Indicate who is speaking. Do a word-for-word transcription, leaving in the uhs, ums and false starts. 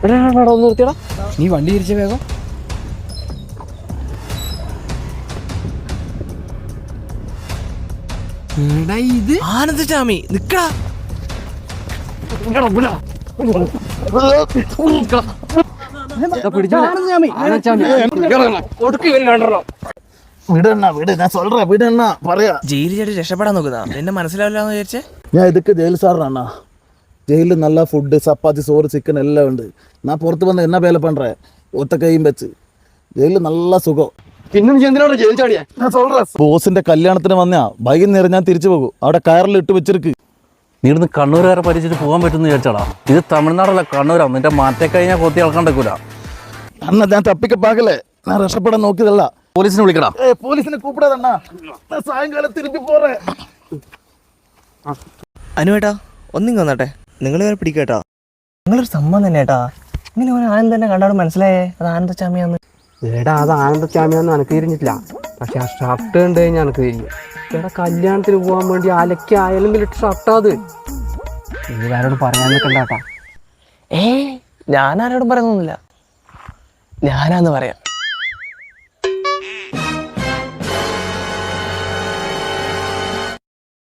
Speaker 1: ഒന്ന് നിർത്തിയടാ, നീ വണ്ടി തിരിച്ച വേഗം. ഇത്
Speaker 2: ആനന്ദചാമി നിക്കടാ. ജയിലിൽ ചേട്ടി രക്ഷപ്പെടാൻ നോക്കുന്നതാ, എന്നെ മനസ്സിലാവില്ലാന്ന് വിചാരിച്ചേ.
Speaker 3: ഞാൻ ഇതൊക്കെ ജയിൽ സാറിനാ. ജയിലിൽ നല്ല ഫുഡ്, ചപ്പാത്തി, ചോറ്, ചിക്കൻ എല്ലാം ഉണ്ട്. ഞാൻ പുറത്ത് വന്ന് എന്നാ വേല പண்ற, ഒത്ത കൈയും വെച്ച്. ജയിലിൽ നല്ല സുഖം.
Speaker 1: പിന്നെ നീ എന്തിനാണ് ജയിൽ ചാടിയാ?
Speaker 3: ബോസിന്റെ കല്യാണത്തിന് വന്നാ വൈകുന്നേരം ഞാൻ തിരിച്ചു പോകും. അവിടെ കയറിൽ ഇട്ട് വെച്ചിരിക്ക്.
Speaker 4: നീ ഇവിടുന്ന് കണ്ണൂരുകാരെ പരിചരിച്ച് പോകാൻ പറ്റുമെന്ന് വിചാരിച്ചാടാ? ഇത് തമിഴ്നാടല്ല, കണ്ണൂരാ. നിന്റെ മാറ്റേ കഴിഞ്ഞാൽ കൊത്തി ഇളക്കാൻ പറ്റൂല.
Speaker 3: അണ്ണ ഞാൻ തപ്പിക്കപ്പാകലേ, ഞാൻ രക്ഷപ്പെടാൻ നോക്കിയതല്ല.
Speaker 4: പോലീസിനെ വിളിക്കടാ.
Speaker 3: പോലീസിനെ കൂപ്പിടാതണ്ണ, സായങ്കാലം തിരിച്ചു പോറേ.
Speaker 2: അനുവേട്ടാ ഒന്നിങ്ങ വന്നാട്ടെ, നിങ്ങൾ ഇവരെ പിടിക്കേട്ടാ. നിങ്ങളൊരു സംഭവം തന്നെ ഏട്ടാ. ഇങ്ങനെ ഒരു ആനന്ദ് തന്നെ കണ്ടാലും മനസ്സിലായേ അത് ആനന്ദചാമിയാന്ന്.
Speaker 1: ഏടാ അത് ആനന്ദചാമിയാന്ന് എനക്ക് തിരിഞ്ഞിട്ടില്ല, പക്ഷെ ആ ഷർട്ട് കണ്ടു കഴിഞ്ഞാൽ എനക്ക് തിരിഞ്ഞു. എടാ കല്യാണത്തിന് പോകാൻ വേണ്ടി അലക്കി ആയാലും ഷർട്ടാ അത്. നീ വേറോട് പറയാൻ നിൽക്കണ്ടാട്ടാ.
Speaker 2: ഏ ഞാനാരോടും പറയുന്നൊന്നുമില്ല, ഞാനാന്ന് പറയാം.